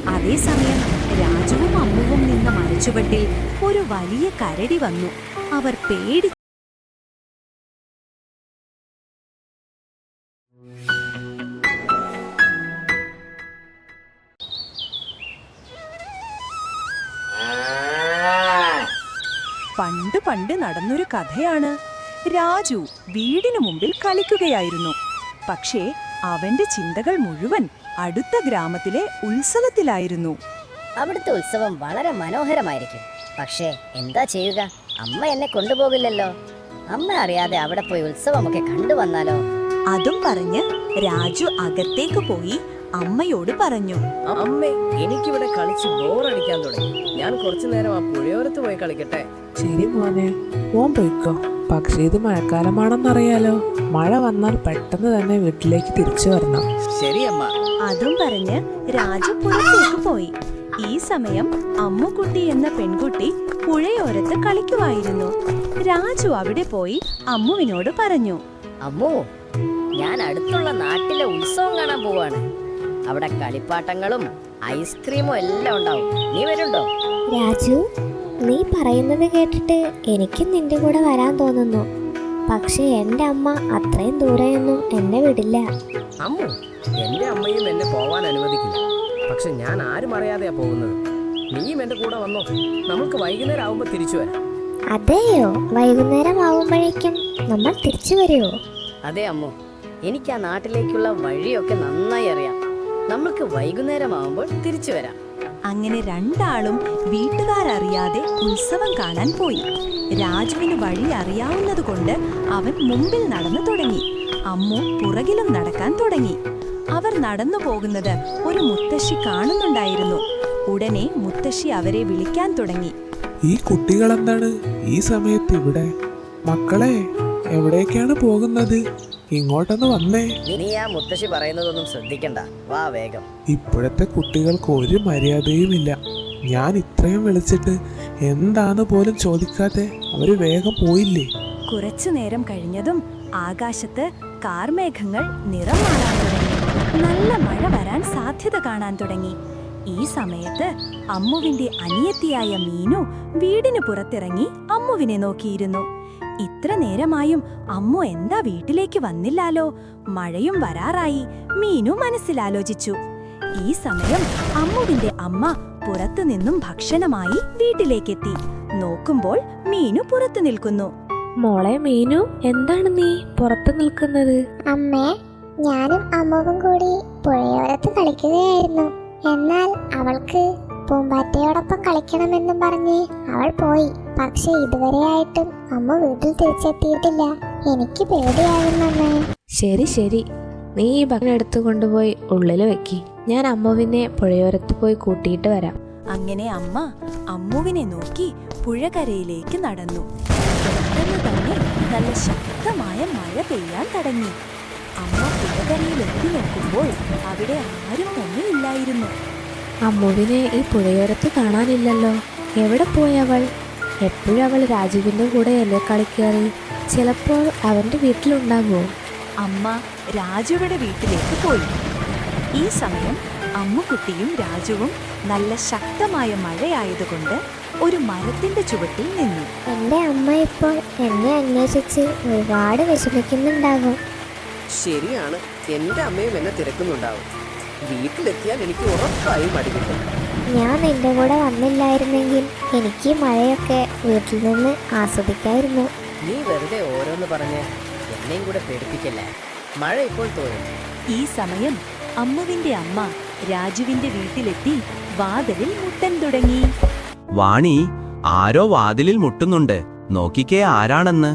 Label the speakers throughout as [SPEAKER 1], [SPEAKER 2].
[SPEAKER 1] അതേസമയം രാജുവും അമ്മുവും നിന്ന മരച്ചുവട്ടിൽ ഒരു വലിയ കരടി വന്നു. അവർ പേടി പണ്ട് പണ്ട് നടന്നൊരു കഥയാണ്. രാജു വീടിനു മുമ്പിൽ കളിക്കുകയായിരുന്നു. പക്ഷേ അവന്റെ ചിന്തകൾ മുഴുവൻ അടുത്ത ഗ്രാമത്തിലെ ഉത്സവത്തിലായിരുന്നു.
[SPEAKER 2] അവിടുത്തെ ഉത്സവം വളരെ മനോഹരമായിരിക്കും. പക്ഷേ എന്താ ചെയ്യുക? അമ്മ എന്നെ കൊണ്ടുപോകില്ലല്ലോ. അമ്മ അറിയാതെ അവിടെ പോയി ഉത്സവമൊക്കെ കണ്ടുവന്നാലോ?
[SPEAKER 1] അതും പറഞ്ഞ് രാജു അകത്തേക്ക് പോയി അമ്മയോട് പറഞ്ഞു.
[SPEAKER 3] അമ്മേ, എനിക്കിവിടെ കളിച്ച് ബോറടിക്കാൻ തുടങ്ങി. ഞാൻ കുറച്ചു നേരം ആ പുഴയോരത്ത് പോയി കളിക്കട്ടെ.
[SPEAKER 4] ശരി മോനെ, മോൻ പോയിക്കോ. പക്ഷേ ഇത് മഴക്കാലമാണെന്നറിയാലോ. മഴ വന്നാൽ പെട്ടെന്ന് തന്നെ വീട്ടിലേക്ക് തിരിച്ചു വരണം.
[SPEAKER 3] ശരി അമ്മ.
[SPEAKER 1] അതും പറഞ്ഞ് രാജു പുറത്തേക്ക് പോയി. ഈ സമയം അമ്മുക്കുട്ടി എന്ന പെൺകുട്ടി പുഴയോരത്ത് കളിക്കുമായിരുന്നു. രാജു അവിടെ പോയി അമ്മുവിനോട് പറഞ്ഞു.
[SPEAKER 2] അമ്മു, ഞാൻ അടുത്തുള്ള നാട്ടിലെ ഉത്സവം കാണാൻ പോവാണ്. അവിടെ കളിപ്പാട്ടങ്ങളും ഐസ്ക്രീമും എല്ലാം ഉണ്ടാവും. നീ വരുന്നുണ്ടോ?
[SPEAKER 5] രാജു, നീ പറയുന്നത് കേട്ടിട്ട് എനിക്കും നിന്റെ കൂടെ വരാൻ തോന്നുന്നു. പക്ഷെ എൻ്റെ അമ്മ അത്രയും ദൂരെയൊന്നും എന്നെ വിടില്ല.
[SPEAKER 3] അമ്മു, എന്റെ അമ്മയും എന്നെ പോവാൻ അനുവദിക്കില്ല. പക്ഷെ ഞാൻ ആരും അറിയാതെയാ പോകുന്നത്. നീയും എന്റെ കൂടെ വന്നോ. നമുക്ക് വൈകുന്നേരം ആവുമ്പോ തിരിച്ചു വരാം.
[SPEAKER 5] അതെയോ? വൈകുന്നേരം ആവുമ്പോഴേക്കും നമ്മൾ തിരിച്ചു വരുമോ?
[SPEAKER 2] അതെ അമ്മു, എനിക്ക് ആ നാട്ടിലേക്കുള്ള വഴിയൊക്കെ നന്നായി അറിയാം. നമുക്ക് വൈകുന്നേരം ആവുമ്പോൾ തിരിച്ചു വരാം.
[SPEAKER 1] അങ്ങനെ രണ്ടാളും വീട്ടുകാരറിയാതെ ഉത്സവം കാണാൻ പോയി. രാജുവിന് വഴി അറിയാവുന്നതുകൊണ്ട് അവൻ മുമ്പിൽ നടന്നു തുടങ്ങി. അമ്മു പുറകിലും നടക്കാൻ തുടങ്ങി. അവർ നടന്നു പോകുന്നത് ഒരു മുത്തശ്ശി കാണുന്നുണ്ടായിരുന്നു. ഉടനെ മുത്തശ്ശി അവരെ വിളിക്കാൻ തുടങ്ങി.
[SPEAKER 4] ഈ കുട്ടികളെന്താണ് ഈ സമയത്ത് ഇവിടെ? മക്കളെ, എവിടേക്കാണ് പോകുന്നത്? ഇങ്ങോട്ടൊന്ന് വന്നേ.
[SPEAKER 2] നീ ആ മുത്തശ്ശി പറയുന്നതൊന്നും ശ്രദ്ധിക്കണ്ട. വാ വേഗം.
[SPEAKER 4] ഇപ്പോഴത്തെ കുട്ടികൾക്ക് ഒരു മര്യാദയുമില്ല. ഞാൻ ഇത്രയും വിളിച്ചിട്ട് എന്താന്ന് പോലും ചോദിക്കാതെ അവര് വേഗം പോയില്ലേ.
[SPEAKER 1] കുറച്ചു നേരം കഴിഞ്ഞതും ആകാശത്ത് കാർമേഘങ്ങൾ നിറം മാറാൻ തുടങ്ങി. നല്ല മഴ വരാൻ സാധ്യത കാണാൻ തുടങ്ങി. ഈ സമയത്ത് അമ്മുവിന്റെ അനിയത്തിയായ മീനു വീടിന് പുറത്തിറങ്ങി അമ്മുവിനെ നോക്കിയിരുന്നു. ഇത്ര നേരമായും അമ്മു എന്താ വീട്ടിലേക്ക് വന്നില്ലാലോ? മഴയും വരാറായി. മീനു മനസ്സിലാലോചിച്ചു. ഈ സമയം അമ്മുവിന്റെ അമ്മ പുറത്തു നിന്നും ഭക്ഷണമായി വീട്ടിലേക്കെത്തി. നോക്കുമ്പോൾ മീനു പുറത്തു നിൽക്കുന്നു.
[SPEAKER 5] മോളെ മീനു, എന്താണ് നീ പുറത്തു നിൽക്കുന്നത്?
[SPEAKER 6] അമ്മേ, ഞാനും അമ്മുവും കൂടി പുഴയോരത്ത് കളിക്കുകയായിരുന്നു. എന്നാൽ അവൾക്ക് പൂമ്പാറ്റയോടൊപ്പം കളിക്കണമെന്നും പറഞ്ഞ് അവൾ പോയി. പക്ഷെ ഇതുവരെയായിട്ടും അമ്മ വീട്ടിൽ തിരിച്ചെത്തിയിട്ടില്ല. എനിക്ക് പേടിയാകുന്നമ്മേ.
[SPEAKER 5] ശരി ശരി, നീ ഈ ഭക്ഷണം എടുത്തു കൊണ്ടുപോയി ഉള്ളിൽ വെക്കി. ഞാൻ അമ്മുവിനെ പുഴയോരത്ത് പോയി കൂട്ടിയിട്ട് വരാം.
[SPEAKER 1] അങ്ങനെ അമ്മ അമ്മുവിനെ നോക്കി പുഴകരയിലേക്ക് നടന്നു. പെട്ടെന്ന് തന്നെ നല്ല ശക്തമായ മഴ പെയ്യാൻ തുടങ്ങി. അമ്മ പുഴകരയിൽ എത്തി നോക്കുമ്പോൾ അവിടെ ആരും തന്നെ ഇല്ലായിരുന്നു.
[SPEAKER 5] അമ്മുവിനെ ഈ പുഴയോരത്ത് കാണാനില്ലല്ലോ. എവിടെ പോയി അവൾ? എപ്പോഴും അവൾ രാജുവിൻ്റെ കൂടെ അല്ലേ കളിക്കാറ്? ചിലപ്പോൾ അവൻ്റെ വീട്ടിലുണ്ടാകുമോ?
[SPEAKER 1] അമ്മ രാജുവിടെ വീട്ടിലേക്ക് പോയി. ഈ സമയം അമ്മുക്കുട്ടിയും രാജുവും നല്ല ശക്തമായ മഴയായതുകൊണ്ട് ഒരു മരത്തിന്റെ ചുവട്ടിൽ നിന്നു.
[SPEAKER 6] എൻ്റെ അമ്മ ഇപ്പോൾ എന്നെ അന്വേഷിച്ച് ഒരുപാട് വിഷമിക്കുന്നുണ്ടാകും.
[SPEAKER 3] ശരിയാണ്, എന്റെ അമ്മയും എന്നെ തിരക്കുന്നുണ്ടാവും. വീട്ടിലെത്തിയാൽ എനിക്ക് ഉറപ്പായും മടി കിട്ടും.
[SPEAKER 6] ഞാൻ നിന്റെ കൂടെ വന്നില്ലായിരുന്നെങ്കിൽ എനിക്ക് ഈ മഴയൊക്കെ വീട്ടിൽ നിന്ന് ആസ്വദിക്കായിരുന്നു.
[SPEAKER 2] നീ വെറുതെ ഓരോന്ന് പറഞ്ഞ് എന്നെയും കൂടെ പേടിപ്പിക്കല്ലേ. മഴ ഇപ്പോൾ തോന്നും.
[SPEAKER 1] ഈ സമയം അമ്മുവിന്റെ അമ്മ രാജുവിന്റെ വീട്ടിലെത്തി വാതിലിൽ മുട്ടൻ തുടങ്ങി.
[SPEAKER 7] വാണി, ആരോ വാതിലിൽ മുട്ടുന്നുണ്ട്. നോക്കിക്കേ ആരാണെന്ന്.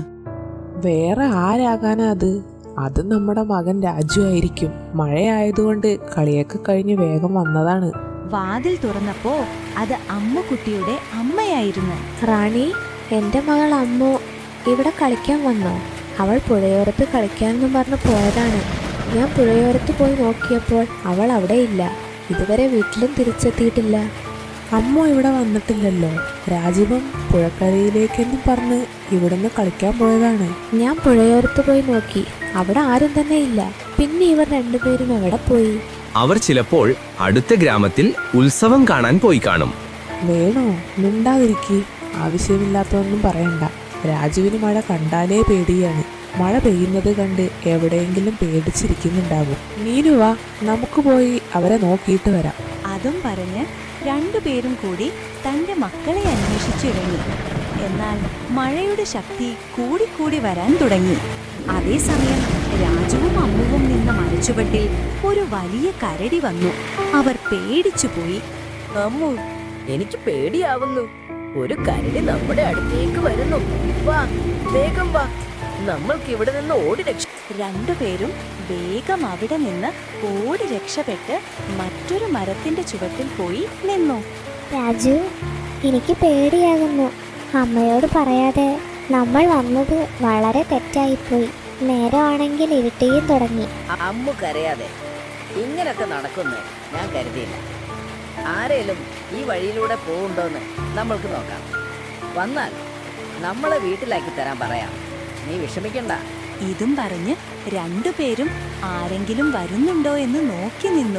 [SPEAKER 4] വേറെ ആരാകാനാ അത്? അത് നമ്മുടെ മകൻ രാജു ആയിരിക്കും. മഴയായതുകൊണ്ട് കളിയൊക്കെ കഴിഞ്ഞ് വേഗം വന്നതാണ്.
[SPEAKER 1] വാതിൽ തുറന്നപ്പോ അത് അമ്മുക്കുട്ടിയുടെ അമ്മയായിരുന്നു.
[SPEAKER 5] റാണി, എൻ്റെ മകൾ അമ്മു ഇവിടെ കളിക്കാൻ വന്നോ? അവൾ പുഴയോരത്ത് കളിക്കാനെന്നും പറഞ്ഞ് പോയതാണ്. ഞാൻ പുഴയോരത്ത് പോയി നോക്കിയപ്പോൾ അവൾ അവിടെ ഇല്ല. ഇതുവരെ വീട്ടിലും തിരിച്ചെത്തിയിട്ടില്ല.
[SPEAKER 4] അമ്മ ഇവിടെ വന്നിട്ടില്ലല്ലോ. രാജീവം പുഴക്കരയിലേക്കെന്നും പറഞ്ഞ് ഇവിടുന്ന് കളിക്കാൻ പോയതാണ്.
[SPEAKER 5] ഞാൻ പുഴയോരത്ത് പോയി നോക്കി. അവിടെ ആരും തന്നെ ഇല്ല. പിന്നെ ഇവർ രണ്ടുപേരും എവിടെ പോയി?
[SPEAKER 7] അവർ ചിലപ്പോൾ അടുത്ത ഗ്രാമത്തിൽ ഉത്സവം കാണാൻ പോയി കാണും.
[SPEAKER 8] വേണോ മിണ്ടാതിരിക്കി, ആവശ്യമില്ലാത്തതൊന്നും പറയണ്ട. രാജുവിന് മഴ കണ്ടാലേ പേടിയാണ്. മഴ പെയ്യുന്നത് കണ്ട് എവിടെയെങ്കിലും പേടിച്ചിരിക്കുന്നുണ്ടാകും. മീനു വാ, നമുക്ക് പോയി അവരെ നോക്കിയിട്ട് വരാം.
[SPEAKER 1] അതും പറഞ്ഞ് രണ്ടുപേരും കൂടി തന്റെ മക്കളെ അന്വേഷിച്ചിറങ്ങി. എന്നാൽ മഴയുടെ ശക്തി കൂടിക്കൂടി വരാൻ തുടങ്ങി. അതേസമയം രാജുവും അമ്മുവും നിന്ന മരച്ചുവട്ടിൽ ഒരു വലിയ കരടി വന്നു. അവർ പേടിച്ചുപോയി.
[SPEAKER 2] അമ്മു, എനിക്ക് പേടിയാവുന്നു. ഒരു കരടി നമ്മുടെ അടുത്തേക്ക് വരുന്നു. വാ, വേഗം വാ, നമ്മൾക്ക് ഇവിടെ നിന്ന് ഓടി രക്ഷ.
[SPEAKER 1] രണ്ടുപേരും വേഗം അവിടെ നിന്ന് ഓടി രക്ഷപ്പെട്ട് മറ്റൊരു മരത്തിന്റെ ചുവട്ടിൽ പോയി നിന്നു.
[SPEAKER 6] രാജു, എനിക്ക് പേടിയാകുന്നു. അമ്മയോട് പറയാതെ നമ്മൾ വന്നത് വളരെ തെറ്റായിപ്പോയി. നേരമാണെങ്കിൽ ഇരുട്ടിയും തുടങ്ങി.
[SPEAKER 2] അമ്മു കരയാതെ, ഇങ്ങനൊക്കെ നടക്കുന്നു ഞാൻ കരുതിയില്ല. ആരേലും ഈ വഴിയിലൂടെ പോകുന്നുണ്ടോന്ന് നമ്മൾക്ക് നോക്കാം. വന്നാൽ നമ്മളെ വീട്ടിലാക്കി തരാൻ പറയാം. നീ വിഷമിക്കണ്ട.
[SPEAKER 1] ഇതും പറഞ്ഞ് രണ്ടുപേരും ആരെങ്കിലും വരുന്നുണ്ടോ എന്ന് നോക്കി നിന്നു.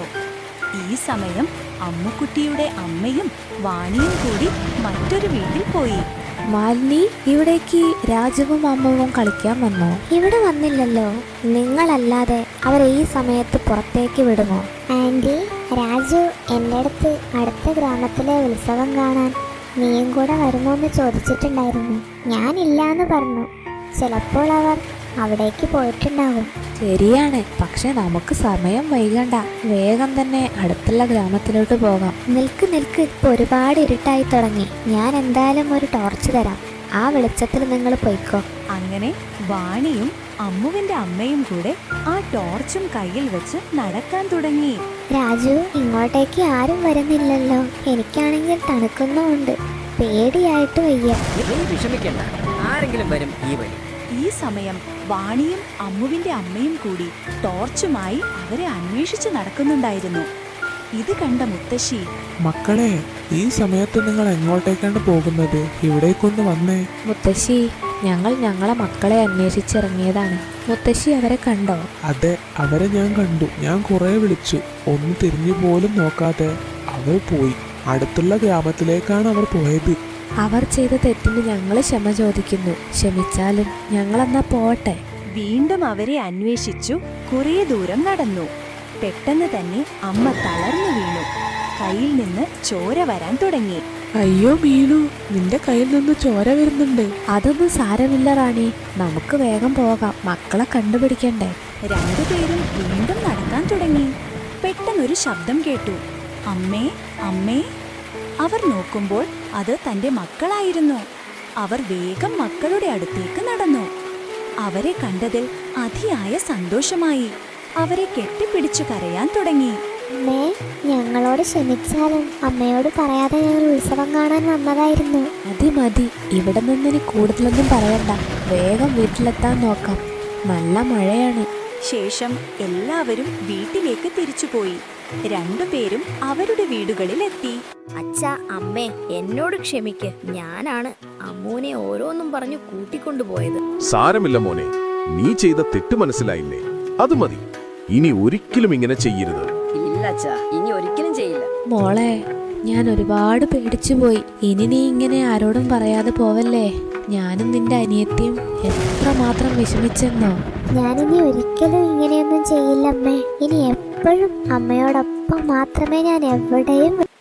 [SPEAKER 1] ഈ സമയം അമ്മുക്കുട്ടിയുടെ അമ്മയും വാണിയും കൂടി മറ്റൊരു വീട്ടിൽ പോയി.
[SPEAKER 5] മാലിനി, ഇവിടേക്ക് രാജുവും അമ്മവും കളിക്കാൻ വന്നോ?
[SPEAKER 6] ഇവിടെ വന്നില്ലല്ലോ. നിങ്ങളല്ലാതെ അവരെ ഈ സമയത്ത് പുറത്തേക്ക് വിടുമോ? ആൻറ്റി, രാജു എൻ്റെ അടുത്ത് അടുത്ത ഗ്രാമത്തിലെ ഉത്സവം കാണാൻ നീയും കൂടെ വരുമോന്ന് ചോദിച്ചിട്ടുണ്ടായിരുന്നു. ഞാനില്ലാന്ന് പറഞ്ഞു. ചിലപ്പോൾ അവർ അവിടേക്ക് പോയിട്ടുണ്ടാകും.
[SPEAKER 5] ശരിയാണ്, പക്ഷെ നമുക്ക് സമയം വൈകണ്ട. വേഗം തന്നെ അടുത്തുള്ള ഗ്രാമത്തിലോട്ട് പോകാം.
[SPEAKER 6] നിൽക്ക്, ഇപ്പൊ ഒരുപാട് ഇരുട്ടായി തുടങ്ങി. ഞാൻ എന്തായാലും ഒരു ടോർച്ച് തരാം. ആ വെളിച്ചത്തിൽ നിങ്ങൾ പൊയ്ക്കോ.
[SPEAKER 1] അങ്ങനെ വാണിയും അമ്മുവിന്റെ അമ്മയും കൂടെ ആ ടോർച്ചും കയ്യിൽ വെച്ച് നടക്കാൻ തുടങ്ങി.
[SPEAKER 6] രാജു, ഇങ്ങോട്ടേക്ക് ആരും വരുന്നില്ലല്ലോ. എനിക്കാണെങ്കിൽ തണുക്കുന്നുമുണ്ട്. പേടിയായിട്ട് വയ്യ.
[SPEAKER 2] നീ വിഷമിക്കണ്ട, ആരെങ്കിലും വരും ഈ വഴി.
[SPEAKER 1] ഈ സമയം വാണിയും അമ്മുവിന്റെ അമ്മയും കൂടി ടോർച്ചുമായി അവരെ അന്വേഷിച്ച് നടക്കുന്നുണ്ടായിരുന്നു. ഇത് കണ്ട മുത്തശ്ശി,
[SPEAKER 4] മക്കളെ, ഈ സമയത്ത് നിങ്ങൾ എങ്ങോട്ടേക്കാണ് പോകുന്നത്? ഇവിടേക്കൊന്ന് വന്നേ.
[SPEAKER 5] മുത്തശ്ശി, ഞങ്ങൾ ഞങ്ങളെ മക്കളെ അന്വേഷിച്ചിറങ്ങിയതാണ്. മുത്തശ്ശി അവരെ കണ്ടോ?
[SPEAKER 4] അതെ, അവരെ ഞാൻ കണ്ടു. ഞാൻ കുറെ വിളിച്ചു, ഒന്ന് തിരിഞ്ഞു പോലും നോക്കാതെ അവർ പോയി. അടുത്തുള്ള ഗ്രാമത്തിലേക്കാണ് അവർ പോയത്.
[SPEAKER 5] അവർ ചെയ്ത തെറ്റിന് ഞങ്ങൾ ക്ഷമ ചോദിക്കുന്നു. ക്ഷമിച്ചാലും ഞങ്ങളെന്നാ പോട്ടെ.
[SPEAKER 1] വീണ്ടും അവരെ അന്വേഷിച്ചു കുറേ ദൂരം നടന്നു. പെട്ടെന്ന് തന്നെ അമ്മ തളർന്നു വീണു. കയ്യിൽ നിന്ന് ചോര വരാൻ തുടങ്ങി.
[SPEAKER 8] അയ്യോ മീനു, നിന്റെ കയ്യിൽ നിന്ന് ചോര വരുന്നുണ്ട്.
[SPEAKER 5] അതൊന്നും സാരമില്ല റാണി, നമുക്ക് വേഗം പോകാം. മക്കളെ കണ്ടുപിടിക്കണ്ടേ.
[SPEAKER 1] രണ്ടുപേരും വീണ്ടും നടക്കാൻ തുടങ്ങി. പെട്ടെന്നൊരു ശബ്ദം കേട്ടു. അമ്മേ, അമ്മേ. അവർ നോക്കുമ്പോൾ അത് തന്റെ മക്കളായിരുന്നു. അവർ വേഗം മക്കളുടെ അടുത്തേക്ക് നടന്നു. അവരെ കണ്ടതിൽ അതിയായ സന്തോഷമായി. അവരെ കെട്ടിപ്പിടിച്ചു കരയാൻ തുടങ്ങി.
[SPEAKER 6] അമ്മേ, ഞങ്ങളോട് ക്ഷമിച്ചാലും അമ്മയോട് പറയാതെ ഞങ്ങൾ ഉത്സവം കാണാൻ വന്നതായിരുന്നു.
[SPEAKER 5] മതി, ഇവിടെ നിന്നിനി കൂടുതലൊന്നും പറയണ്ട. വേഗം വീട്ടിലെത്താൻ നോക്കാം. നല്ല മഴയാണ്.
[SPEAKER 1] ശേഷം എല്ലാവരും വീട്ടിലേക്ക് തിരിച്ചുപോയി. രണ്ടുപേരും അവരുടെ വീടുകളിലെത്തി.
[SPEAKER 2] അച്ഛാ, അമ്മേ, എന്നോട് ക്ഷമിക്ക്. ഞാനാണ് അമ്മൂനെ ഓരോന്നും പറഞ്ഞു കൂട്ടിക്കൊണ്ടുപോയത്.
[SPEAKER 9] സാരമില്ല മോനെ, നീ ചെയ്ത തെറ്റ് മനസ്സിലായില്ലേ? അത് മതി. ഇനി ഒരിക്കലും ഇങ്ങനെ ചെയ്യരുത്.
[SPEAKER 2] ഇല്ല അച്ഛാ, ഇനി ഒരിക്കലും ചെയ്യില്ല.
[SPEAKER 5] മോളെ, ഞാൻ ഒരുപാട് പേടിച്ചു പോയി. ഇനി നീ ഇങ്ങനെ ആരോടും പറയാതെ പോവല്ലേ. ഞാനും നിന്റെ അനിയത്തിയും എത്രമാത്രം വിഷമിച്ചെന്നോ.
[SPEAKER 6] ഞാനിനി ഒരിക്കലും ഇങ്ങനെയൊന്നും ചെയ്യില്ല അമ്മേ. ഇനി എപ്പോഴും അമ്മയോടൊപ്പം മാത്രമേ ഞാൻ എവിടെയും